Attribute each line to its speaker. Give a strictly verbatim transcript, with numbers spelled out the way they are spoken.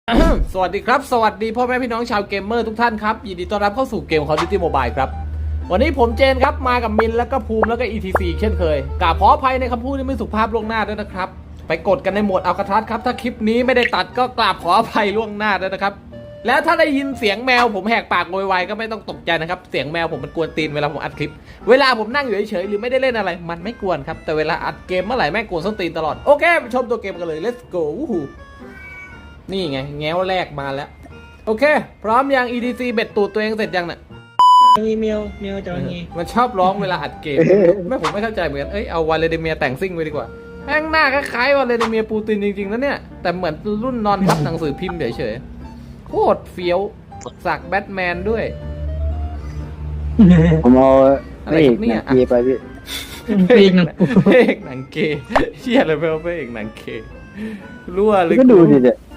Speaker 1: สวัสดีครับสวัสดีพ่อแม่พี่น้องชาวเกมเมอร์ทุกท่านครับยินดีต้อนรับเข้าสู่เกม Call of Duty Mobile ครับวันนี้ผมเจนครับมากับมินแล้วก็ภูมิแล้วก็ อี ที ซี เช่นเคยกราบขออภัยในคำพูดที่ไม่สุภาพล่วงหน้าด้วยนะครับไปกดกันในโหมดอัลคาทัสครับถ้าคลิปนี้ไม่ได้ตัดก็กราบขออภัยล่วงหน้าด้วยนะครับแล้วถ้าได้ยินเสียงแมวผมแหกปากโวยวายก็ไม่ต้องตกใจนะครับเสียงแมวผมมันกวนตีนเวลาผมอัดคลิปเวลาผมนั่งอยู่เฉยๆหรือไม่ได้เล่นอะไรมันไม่กวนครับแต่เวลาอัดเกมเมื่อไหร่แม่งกวนส้นตีนตลอดโอเคไปชมตัวเกมกันเลย let's go นี่ไงแง้วแรกมาแล้วโอเคพร้อมยัง อี ที ซี เบ็ดตูดตัวเองเสร็จยังน่ะ
Speaker 2: มีเมียวเมียวจะว่าไง
Speaker 1: มันชอบร้องเวลาอัดเกม ไม่ผมไม่เข้าใจเหมือนกันเอ้ยเอาวาเลดิเมียแต่งซิ่งไปดีกว่าแม่งหน้าคล้ายๆวาเลดิเมียปูตินจริงๆนะเนี่ยแต่เหมือนรุ่นนอนทับหนังสือพิมพ์เฉยๆโคตรเฟี้ยวสักแบทแมนด้วย
Speaker 3: ผมเอา
Speaker 1: อะไร
Speaker 3: พระเอ
Speaker 1: ครั
Speaker 3: ก
Speaker 1: บเนี่ย
Speaker 3: หนังเกียร์ไปพี่
Speaker 2: ปีกหนึ่ง
Speaker 1: พระเอกหนังเกย์เชี่ยอะไรไปเอาพระเอกหนังเกย์รั่วเลย
Speaker 3: ก็ดูดิเนี่ย